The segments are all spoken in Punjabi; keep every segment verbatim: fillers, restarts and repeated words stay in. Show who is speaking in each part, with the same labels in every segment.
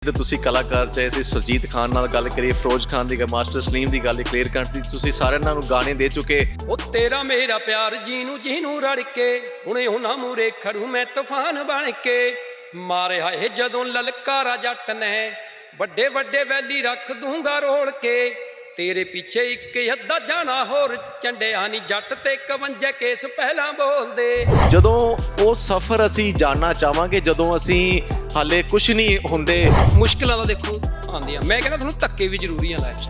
Speaker 1: ਪ੍ਰਸਿੱਧ ਤੁਸੀਂ ਕਲਾਕਾਰ ਚਾਹੇ ਅਸੀਂ ਸੁਰਜੀਤ ਖਾਨ ਨਾਲ ਗੱਲ ਕਰੀਏ, ਫਿਰੋਜ਼ ਖਾਨ ਦੀ, ਮਾਸਟਰ ਸਲੀਮ ਦੀ ਗੱਲ, ਕਲੀਅਰ ਕੱਟ ਦੀ, ਤੁਸੀਂ ਸਾਰਿਆਂ ਨੂੰ ਗਾਣੇ ਦੇ ਚੁੱਕੇ।
Speaker 2: ਉਹ ਤੇਰਾ ਮੇਰਾ ਪਿਆਰ ਜੀਨੂੰ ਜੀਨੂੰ ਰੜ ਕੇ ਹੁਣੇ ਉਹਨਾਂ ਮੂਰੇ ਖੜੂ ਮੈਂ ਤੂਫਾਨ ਬਣ ਕੇ, ਮਾਰਿਆ ਏ ਜਦੋਂ ਲਲਕਾਰਾ ਜੱਟ ਨੇ ਵੱਡੇ ਵੱਡੇ ਵੈਲੀ ਰੱਖ ਦੂੰਗਾ ਰੋਲ ਕੇ, ਤੇਰੇ ਪਿੱਛੇ ਇੱਕ ਅੱਧਾ ਜਾਣਾ ਹੋਰ ਚੰਡਿਆ ਨੀ ਜੱਟ ਤੇ ਇਕਵੰਜਾ ਕੇਸ ਪਹਿਲਾਂ ਬੋਲਦੇ। ਜਦੋਂ
Speaker 1: ਉਹ ਸਫ਼ਰ ਅਸੀਂ ਜਾਣਨਾ ਚਾਹਾਂਗੇ ਜਦੋਂ ਅਸੀਂ ਹਾਲੇ ਕੁਝ ਨਹੀਂ ਹੁੰਦੇ।
Speaker 2: ਮੁਸ਼ਕਿਲਾਂ ਦਾ ਦੇਖੋ ਆਉਂਦੀਆਂ, ਮੈਂ ਕਹਿੰਦਾ ਤੁਹਾਨੂੰ ਧੱਕੇ ਵੀ ਜ਼ਰੂਰੀ ਆ ਲਾਈਫ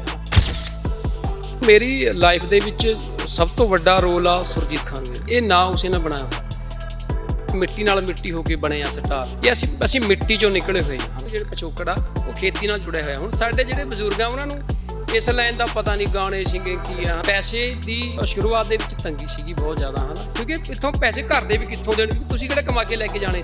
Speaker 2: 'ਚ। ਮੇਰੀ ਲਾਈਫ ਦੇ ਵਿੱਚ ਸਭ ਤੋਂ ਵੱਡਾ ਰੋਲ ਆ ਸੁਰਜੀਤ ਖਾਨ ਦਾ। ਇਹ ਨਾਂ ਉਸੇ ਨੇ ਬਣਾਇਆ ਹੋਇਆ, ਮਿੱਟੀ ਨਾਲ ਮਿੱਟੀ ਹੋ ਕੇ ਬਣੇ ਆ ਸਟਾਰ। ਇਹ ਅਸੀਂ ਅਸੀਂ ਮਿੱਟੀ ਚੋਂ ਨਿਕਲੇ ਹੋਏ ਹਾਂ। ਜਿਹੜੇ ਪਿਛੋਕੜ ਆ ਉਹ ਖੇਤੀ ਨਾਲ ਜੁੜਿਆ ਹੋਇਆ। ਹੁਣ ਸਾਡੇ ਜਿਹੜੇ ਬਜ਼ੁਰਗ ਆ ਉਹਨਾਂ ਨੂੰ ਇਸ ਲਾਈਨ ਦਾ ਪਤਾ ਨਹੀਂ, ਗਾਣੇ ਸਿੰਗਿੰਗ ਕੀ ਆ। ਪੈਸੇ ਦੀ ਸ਼ੁਰੂਆਤ ਦੇ ਵਿੱਚ ਤੰਗੀ ਸੀਗੀ ਬਹੁਤ ਜ਼ਿਆਦਾ, ਹਨਾ, ਕਿਉਂਕਿ ਇੱਥੋਂ ਪੈਸੇ ਘਰ ਦੇ ਵੀ ਕਿੱਥੋਂ ਦੇਣ, ਤੁਸੀਂ ਕਿਹੜੇ ਕਮਾ ਕੇ ਲੈ ਕੇ ਜਾਣੇ।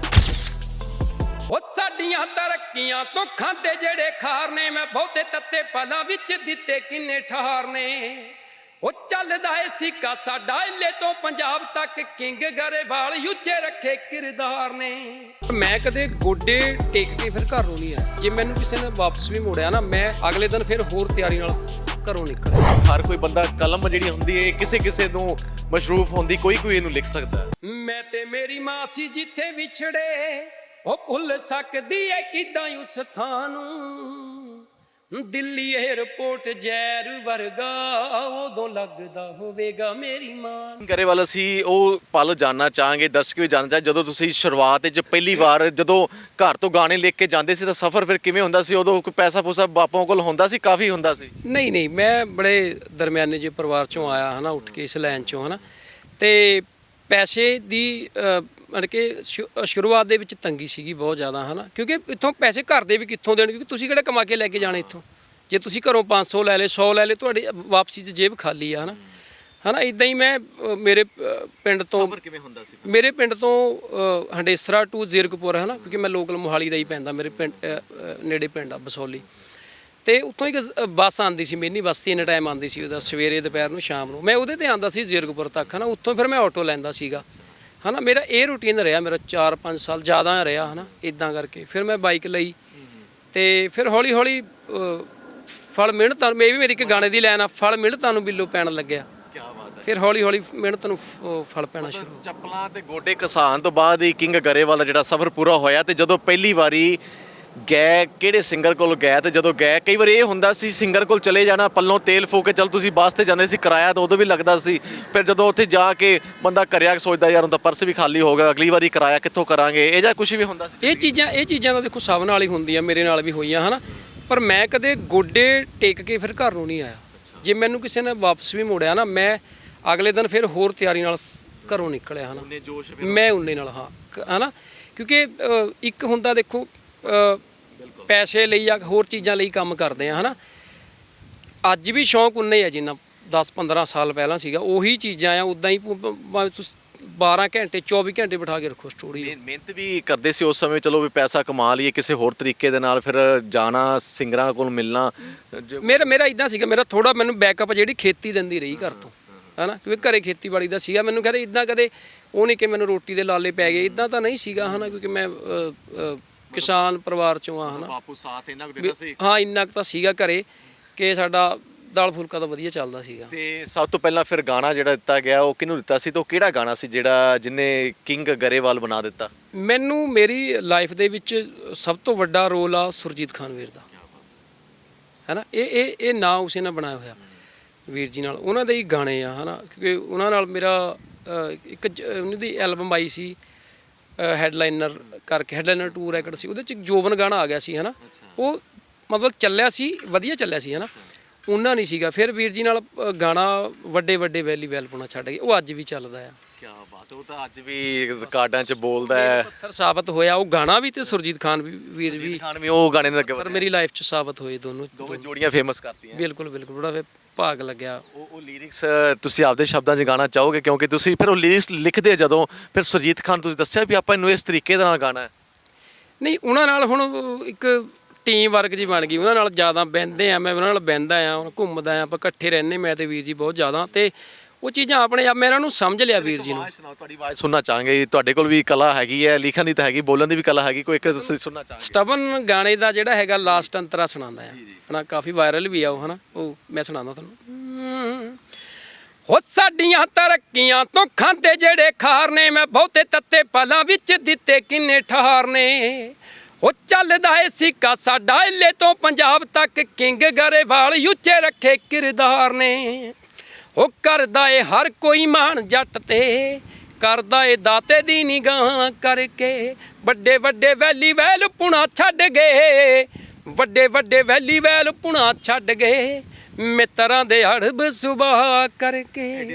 Speaker 2: ਉਹ ਸਾਡੀਆਂ ਤਰੱਕੀਆਂ ਤੋਂ ਖਾਂਦੇ ਜਿਹੜੇ ਖਾਰ ਨੇ, ਮੈਂ ਬਹੁਤੇ ਤੱਤੇ ਪਲਾਂ ਵਿੱਚ ਦਿੱਤੇ ਕਿੰਨੇ ਠਾਰ ਨੇ। ਉਹ ਚੱਲਦਾ ਏ ਸਿੱਕਾ ਸਾਡਾ ਇੱਲੇ ਤੋਂ ਪੰਜਾਬ ਤੱਕ, ਕਿੰਗ ਗਰੇਵਾਲ ਉੱਚੇ ਰੱਖੇ ਕਿਰਦਾਰ ਨੇ। ਮੈਂ ਕਦੇ ਗੋਡੇ ਟੇਕ ਕੇ ਫਿਰ ਘਰ ਨੂੰ ਨਹੀਂ ਆਇਆ। ਜੇ ਮੈਨੂੰ ਕਿਸੇ ਨੇ ਵਾਪਸ ਵੀ ਮੋੜਿਆ ਨਾ, ਮੈਂ ਅਗਲੇ ਦਿਨ ਫਿਰ ਹੋਰ ਤਿਆਰੀ ਨਾਲ ਘਰੋਂ ਨਿਕਲਿਆ।
Speaker 1: ਹਰ ਕੋਈ ਬੰਦਾ ਕਲਮ ਜਿਹੜੀ ਹੁੰਦੀ ਹੈ ਕਿਸੇ ਕਿਸੇ ਨੂੰ ਮਸ਼ਰੂਫ ਹੁੰਦੀ, ਕੋਈ ਕੋਈ ਇਹਨੂੰ ਲਿਖ ਸਕਦਾ।
Speaker 2: ਮੈਂ ਤੇ ਮੇਰੀ ਮਾਂ ਸੀ ਜਿੱਥੇ ਵਿਛੜੇ, ਉਹ ਭੁੱਲ ਸਕਦੀ ਏ ਕਿਦਾਂ ਉਸ ਥਾਂ ਨੂੰ। ਦਿੱਲੀ ਏਅਰਪੋਰਟ ਜ਼ਹਿਰ ਵਰਗਾ ਉਦੋਂ ਲੱਗਦਾ ਹੋਵੇਗਾ ਮੇਰੀ ਮਾਂ।
Speaker 1: ਗਰੇਵਾਲ ਅਸੀਂ ਉਹ ਪਲ ਜਾਣਨਾ ਚਾਹਾਂਗੇ, ਦਰਸ਼ਕ ਵੀ ਜਾਣਨਾ ਚਾਹ, ਜਦੋਂ ਤੁਸੀਂ ਸ਼ੁਰੂਆਤ ਵਿੱਚ ਪਹਿਲੀ ਵਾਰ ਜਦੋਂ ਘਰ ਤੋਂ ਗਾਣੇ ਲਿਖ ਕੇ ਜਾਂਦੇ ਸੀ ਤਾਂ ਸਫ਼ਰ ਫਿਰ ਕਿਵੇਂ ਹੁੰਦਾ ਸੀ? ਉਦੋਂ ਕੋਈ ਪੈਸਾ ਪੂਸਾ ਬਾਪੋਂ ਕੋਲ ਹੁੰਦਾ ਸੀ? ਕਾਫੀ ਹੁੰਦਾ ਸੀ?
Speaker 2: ਨਹੀਂ ਨਹੀਂ, ਮੈਂ ਬੜੇ ਦਰਮਿਆਨੇ ਜਿਹੇ ਪਰਿਵਾਰ ਚੋਂ ਆਇਆ, ਹੈ ਨਾ, ਉੱਠ ਕੇ ਇਸ ਲਾਈਨ ਚੋਂ, ਹੈ ਨਾ, ਅਤੇ ਪੈਸੇ ਦੀ ਮਤਲਬ ਕਿ ਸ਼ੁਰੂਆਤ ਦੇ ਵਿੱਚ ਤੰਗੀ ਸੀਗੀ ਬਹੁਤ ਜ਼ਿਆਦਾ, ਹੈ ਨਾ, ਕਿਉਂਕਿ ਇੱਥੋਂ ਪੈਸੇ ਘਰ ਦੇ ਵੀ ਕਿੱਥੋਂ ਦੇਣ, ਕਿਉਂਕਿ ਤੁਸੀਂ ਕਿਹੜੇ ਕਮਾ ਕੇ ਲੈ ਕੇ ਜਾਣੇ ਇੱਥੋਂ। ਜੇ ਤੁਸੀਂ ਘਰੋਂ ਪੰਜ ਸੌ ਲੈ ਲਏ, ਸੌ ਲੈ ਲਏ, ਤੁਹਾਡੀ ਵਾਪਸੀ 'ਚ ਜੇਬ ਖਾਲੀ ਆ, ਹੈ ਨਾ, ਹੈ ਨਾ। ਇੱਦਾਂ ਹੀ ਮੈਂ ਮੇਰੇ ਪਿੰਡ ਤੋਂ
Speaker 1: ਕਿਵੇਂ ਹੁੰਦਾ ਸੀ? ਮੇਰੇ
Speaker 2: ਪਿੰਡ ਤੋਂ ਹੰਡੇਸਰਾ ਟੂ ਜ਼ੀਰਕਪੁਰ, ਹੈ ਨਾ, ਕਿਉਂਕਿ ਮੈਂ ਲੋਕਲ ਮੋਹਾਲੀ ਦਾ ਹੀ ਪੈਂਦਾ, ਮੇਰੇ ਪਿੰਡ ਨੇੜੇ ਪਿੰਡ ਆ ਬਸੋਲੀ, ਅਤੇ ਉੱਥੋਂ ਇੱਕ ਬੱਸ ਆਉਂਦੀ ਸੀ, ਮਿੰਨੀ ਬੱਸ ਤਿੰਨ ਟਾਈਮ ਆਉਂਦੀ ਸੀ ਉਹਦਾ, ਸਵੇਰੇ, ਦੁਪਹਿਰ ਨੂੰ, ਸ਼ਾਮ ਨੂੰ। ਮੈਂ ਉਹਦੇ 'ਤੇ ਆਉਂਦਾ ਸੀ ਜ਼ੀਰਕਪੁਰ ਤੱਕ, ਹੈ ਨਾ। ਉੱਥੋਂ ਫਿਰ ਮੈਂ ਆਟੋ ਲੈਂਦਾ ਸੀਗਾ, ਹੈ ਨਾ। ਮੇਰਾ ਇਹ ਰੂਟੀਨ ਰਿਹਾ, ਮੇਰਾ ਚਾਰ ਪੰਜ ਸਾਲ ਜ਼ਿਆਦਾ ਰਿਹਾ, ਹੈ ਨਾ। ਇੱਦਾਂ ਕਰਕੇ ਫਿਰ ਮੈਂ ਬਾਈਕ ਲਈ, ਅਤੇ ਫਿਰ ਹੌਲੀ ਹੌਲੀ ਫਲ ਮਿਹਨਤਾਂ ਨੂੰ, ਇਹ ਵੀ ਮੇਰੀ ਇੱਕ ਗਾਣੇ ਦੀ ਲਾਈਨ ਆ, ਫਲ ਮਿਹਨਤਾਂ ਨੂੰ ਬਿੱਲੋ ਪੈਣ ਲੱਗਿਆ।
Speaker 1: ਕੀ ਬਾਤ ਹੈ।
Speaker 2: ਫਿਰ ਹੌਲੀ ਹੌਲੀ ਮਿਹਨਤ ਨੂੰ ਫਲ ਪੈਣਾ ਸ਼ੁਰੂ।
Speaker 1: ਚੱਪਲਾਂ ਤੇ ਗੋਡੇ ਘਸਾਣ ਤੋਂ ਬਾਅਦ ਹੀ ਕਿੰਗ ਗਰੇਵਾਲ ਦਾ ਜਿਹੜਾ ਸਫ਼ਰ ਪੂਰਾ ਹੋਇਆ। ਤੇ ਜਦੋਂ ਪਹਿਲੀ ਵਾਰੀ ਗਏ, ਕਿਹੜੇ ਸਿੰਗਰ ਕੋਲ ਗਏ? ਤੇ ਜਦੋਂ ਗਏ, ਕਈ ਵਾਰ ਇਹ ਹੁੰਦਾ ਸੀ ਸਿੰਗਰ ਕੋਲ ਚਲੇ ਜਾਣਾ, ਪੱਲੋਂ ਤੇਲ ਫੂਕ ਕੇ, ਚੱਲ ਤੁਸੀਂ ਬੱਸ ਤੇ ਜਾਂਦੇ ਸੀ, ਕਿਰਾਇਆ ਤਾਂ ਉਦੋਂ ਵੀ ਲੱਗਦਾ ਸੀ। ਫਿਰ ਜਦੋਂ ਉੱਥੇ ਜਾ ਕੇ ਬੰਦਾ ਕਰਿਆ ਸੋਚਦਾ, ਯਾਰ ਉਹਦਾ ਪਰਸ ਵੀ ਖਾਲੀ ਹੋ ਗਿਆ, ਅਗਲੀ ਵਾਰੀ ਕਿਰਾਇਆ ਕਿੱਥੋਂ ਕਰਾਂਗੇ, ਇਹ ਜਾਂ ਕੁਝ ਵੀ ਹੁੰਦਾ ਸੀ?
Speaker 2: ਇਹ ਚੀਜ਼ਾਂ ਇਹ ਚੀਜ਼ਾਂ ਤਾਂ ਦੇਖੋ ਸਭ ਨਾਲ ਹੀ ਹੁੰਦੀਆਂ, ਮੇਰੇ ਨਾਲ ਵੀ ਹੋਈਆਂ, ਹੈ ਨਾ। ਪਰ ਮੈਂ ਕਦੇ ਗੋਡੇ ਟੇਕ ਕੇ ਫਿਰ ਘਰ ਨੂੰ ਨਹੀਂ ਆਇਆ। ਜੇ ਮੈਨੂੰ ਕਿਸੇ ਨੇ ਵਾਪਸ ਵੀ ਮੋੜਿਆ ਨਾ, ਮੈਂ ਅਗਲੇ ਦਿਨ ਫਿਰ ਹੋਰ ਤਿਆਰੀ ਨਾਲ ਘਰੋਂ ਨਿਕਲਿਆ, ਹੈ ਨਾ। ਮੈਂ ਉਨੇ ਨਾਲ, ਹਾਂ, ਹੈ ਨਾ, ਕਿਉਂਕਿ ਇੱਕ ਹੁੰਦਾ ਦੇਖੋ ਪੈਸੇ ਲਈ ਜਾਂ ਹੋਰ ਚੀਜ਼ਾਂ ਲਈ ਕੰਮ ਕਰਦੇ ਆ, ਹੈ ਨਾ। ਅੱਜ ਵੀ ਸ਼ੌਂਕ ਉਨਾ ਹੀ ਆ ਜਿੰਨਾ ਦਸ ਪੰਦਰਾਂ ਸਾਲ ਪਹਿਲਾਂ ਸੀਗਾ। ਉਹੀ ਚੀਜ਼ਾਂ ਆ, ਉੱਦਾਂ ਹੀ ਬਾਰਾਂ ਘੰਟੇ ਚੌਵੀ ਘੰਟੇ ਬਿਠਾ ਕੇ ਰੱਖੋ ਸਟੂਡੀਓ।
Speaker 1: ਮਿਹਨਤ ਵੀ ਕਰਦੇ ਸੀ ਉਸ ਸਮੇਂ, ਚਲੋ ਵੀ ਪੈਸਾ ਕਮਾ ਲਈਏ ਕਿਸੇ ਹੋਰ ਤਰੀਕੇ ਦੇ ਨਾਲ, ਫਿਰ ਜਾਣਾ ਸਿੰਗਰਾਂ ਕੋਲ ਮਿਲਣਾ।
Speaker 2: ਮੇਰਾ ਮੇਰਾ ਇੱਦਾਂ ਸੀਗਾ, ਮੇਰਾ ਥੋੜ੍ਹਾ ਮੈਨੂੰ ਬੈਕਅਪ ਜਿਹੜੀ ਖੇਤੀ ਦਿੰਦੀ ਰਹੀ ਘਰ ਤੋਂ, ਹੈ ਨਾ, ਕਿਉਂਕਿ ਘਰੇ ਖੇਤੀਬਾੜੀ ਦਾ ਸੀਗਾ। ਮੈਨੂੰ ਕਹਿੰਦੇ ਇੱਦਾਂ ਕਦੇ ਉਹ ਨਹੀਂ ਕਿ ਮੈਨੂੰ ਰੋਟੀ ਦੇ ਲਾਲੇ ਪੈ ਗਏ, ਇੱਦਾਂ ਤਾਂ ਨਹੀਂ ਸੀਗਾ, ਹੈ ਨਾ, ਕਿਉਂਕਿ ਮੈਂ ਕਿਸਾਨ ਪਰਿਵਾਰ ਚੋਂ ਆ, ਹੈ ਨਾ।
Speaker 1: ਬਾਪੂ ਸਾਥ ਇੰਨਾ ਕੁ ਦਿੰਦਾ ਸੀ?
Speaker 2: ਹਾਂ, ਇੰਨਾ ਕੁ ਤਾਂ ਸੀਗਾ ਘਰੇ ਕਿ ਸਾਡਾ ਦਾਲ ਫੁਲਕਾ ਤਾਂ ਵਧੀਆ ਚੱਲਦਾ ਸੀਗਾ।
Speaker 1: ਤੇ ਸਭ ਤੋਂ ਪਹਿਲਾਂ ਫਿਰ ਗਾਣਾ ਜਿਹੜਾ ਦਿੱਤਾ ਗਿਆ ਉਹ ਕਿਹਨੂੰ ਦਿੱਤਾ ਸੀ, ਤੇ ਉਹ ਕਿਹੜਾ ਗਾਣਾ ਸੀ ਜਿਹੜਾ ਜਿਹਨੇ ਕਿੰਗ ਗਰੇਵਾਲ ਬਣਾ ਦਿੱਤਾ?
Speaker 2: ਮੈਨੂੰ ਮੇਰੀ ਲਾਈਫ ਦੇ ਵਿੱਚ ਸਭ ਤੋਂ ਵੱਡਾ ਰੋਲ ਆ ਸੁਰਜੀਤ ਖਾਨ ਵੀਰ ਦਾ, ਹੈ ਨਾ। ਇਹ ਇਹ ਇਹ ਨਾਂ ਉਸੇ ਨੇ ਬਣਾਇਆ ਹੋਇਆ, ਵੀਰ ਜੀ ਨਾਲ। ਉਹਨਾਂ ਦੇ ਹੀ ਗਾਣੇ ਆ, ਹੈ ਨਾ, ਕਿਉਂਕਿ ਉਹਨਾਂ ਨਾਲ ਮੇਰਾ ਇੱਕ ਉਹਨਾਂ ਦੀ ਐਲਬਮ ਆਈ ਸੀ ਹੈਡਲਾਈਨਰ ਕਰਕੇ, ਹੈਡਲਾਈਨਰ ਟੂ ਰੈਕਡ ਸੀ, ਉਹਦੇ 'ਚ ਜੋਬਨ ਗਾਣਾ ਆ ਗਿਆ ਸੀ, ਹੈ ਨਾ। ਉਹ ਮਤਲਬ ਚੱਲਿਆ ਸੀ, ਵਧੀਆ ਚੱਲਿਆ ਸੀ, ਹੈ ਨਾ। ਉਹਨਾਂ ਨਹੀਂ ਸੀਗਾ। ਫਿਰ ਵੀਰ ਜੀ ਨਾਲ ਗਾਣਾ ਵੱਡੇ ਵੱਡੇ ਵੈਲੀ ਵੈਲ ਪਾਉਣਾ ਛੱਡ ਗਏ, ਉਹ ਅੱਜ ਵੀ ਚੱਲਦਾ ਆ।
Speaker 1: ਕੀ ਬਾਤ, ਉਹ ਤਾਂ ਅੱਜ ਵੀ ਰਿਕਾਰਡਾਂ 'ਚ ਬੋਲਦਾ ਹੈ।
Speaker 2: ਪੱਥਰ ਸਾਬਤ ਹੋਇਆ ਉਹ ਗਾਣਾ ਵੀ, ਤੇ ਸੁਰਜੀਤ ਖਾਨ ਵੀ, ਵੀਰ ਵੀ
Speaker 1: ਖਾਨ ਵੀ ਉਹ ਗਾਣੇ ਨਾਲ
Speaker 2: ਪਰ ਮੇਰੀ ਲਾਈਫ 'ਚ ਸਾਬਤ ਹੋਏ ਦੋਨੋਂ
Speaker 1: ਦੋਵੇਂ ਜੋੜੀਆਂ ਫੇਮਸ ਕਰਤੀਆਂ।
Speaker 2: ਬਿਲਕੁਲ ਬਿਲਕੁਲ, ਬੜਾ ਭਾਗ ਲੱਗਿਆ।
Speaker 1: ਉਹ ਉਹ ਲਿਰਿਕਸ ਤੁਸੀਂ ਆਪਦੇ ਸ਼ਬਦਾਂ 'ਚ ਗਾਣਾ ਚਾਹੋਗੇ? ਕਿਉਂਕਿ ਤੁਸੀਂ ਫਿਰ ਉਹ ਲਿਰਿਕਸ ਲਿਖਦੇ ਜਦੋਂ, ਫਿਰ ਸੁਰਜੀਤ ਖਾਨ ਤੁਸੀਂ ਦੱਸਿਆ ਵੀ ਆਪਾਂ ਇਹਨੂੰ ਇਸ ਤਰੀਕੇ ਦੇ ਨਾਲ ਗਾਣਾ ਹੈ।
Speaker 2: ਨਹੀਂ, ਉਹਨਾਂ ਨਾਲ ਹੁਣ ਇੱਕ ਟੀਮ ਵਰਕ ਜੀ ਬਣ ਗਈ, ਉਹਨਾਂ ਨਾਲ ਜ਼ਿਆਦਾ ਬਹਿੰਦੇ ਆ, ਮੈਂ ਉਹਨਾਂ ਨਾਲ ਬਹਿੰਦਾ ਆ, ਘੁੰਮਦਾ ਆ, ਆਪਾਂ ਇਕੱਠੇ ਰਹਿੰਦੇ, ਮੈਂ ਤੇ ਵੀਰ ਜੀ ਬਹੁਤ ਜ਼ਿਆਦਾ। ਅਤੇ ਉਹ ਚੀਜ਼ਾਂ ਆਪਣੇ ਆਪ ਮੈਂ ਇਹਨਾਂ ਨੂੰ ਸਮਝ ਲਿਆ ਵੀਰ ਜੀ ਨੂੰ।
Speaker 1: ਆਵਾਜ਼ ਸੁਣਾਓ, ਤੁਹਾਡੀ ਆਵਾਜ਼ ਸੁਣਨਾ ਚਾਹਾਂਗੇ। ਤੁਹਾਡੇ ਕੋਲ ਵੀ ਕਲਾ ਹੈਗੀ ਹੈ, ਲਿਖਣ ਦੀ ਤਾਂ ਹੈਗੀ, ਬੋਲਣ ਦੀ ਵੀ ਕਲਾ ਹੈਗੀ, ਕੋਈ ਇੱਕ ਤੁਸੀਂ ਸੁਣਨਾ ਚਾਹਾਂਗੇ।
Speaker 2: ਸਟਬਨ ਗਾਣੇ ਦਾ ਜਿਹੜਾ ਹੈਗਾ ਲਾਸਟ ਅੰਤਰਾ ਸੁਣਾਉਂਦਾ ਆ ਹਨਾ, ਕਾਫੀ ਵਾਇਰਲ ਵੀ ਆ ਉਹ ਹਨਾ, ਉਹ ਮੈਂ ਸੁਣਾਉਂਦਾ ਤੁਹਾਨੂੰ। ਹੋ ਸਾਡੀਆਂ ਤਰੱਕੀਆਂ ਤੋਂ ਖਾਂਦੇ ਜਿਹੜੇ ਖਾਰ ਨੇ, ਮੈਂ ਬਹੁਤੇ ਤੱਤੇ ਪਲਾਂ ਵਿੱਚ ਦਿੱਤੇ ਕਿੰਨੇ ਠਾਰ ਨੇ। ਉਹ ਚੱਲਦਾ ਏ ਸਿੱਕਾ ਸਾਡਾ ਇੱਲੇ ਤੋਂ ਪੰਜਾਬ ਤੱਕ, ਕਿੰਗ ਗਰੇਵਾਲ ਉੱਚੇ ਰੱਖੇ ਕਿਰਦਾਰ ਨੇ। ਉਹ ਕਰਦਾ ਏ ਹਰ ਕੋਈ ਮਾਣ ਜੱਟ ਤੇ, ਕਰਦਾ ਏ ਦਾਤੇ ਦੀ ਨਿਗਾਹ ਕਰਕੇ। ਵੱਡੇ ਵੱਡੇ ਵੈਲੀ ਵੈਲ ਪੁਣਾ ਛੱਡ ਗਏ, ਵੱਡੇ ਵੱਡੇ ਵੈਲੀ ਵੈਲ ਪੁਣਾ ਛੱਡ ਗਏ, ਮਿੱਤਰਾਂ ਦੇ ਹੜਬ ਸੁਭਾਅ ਕਰਕੇ।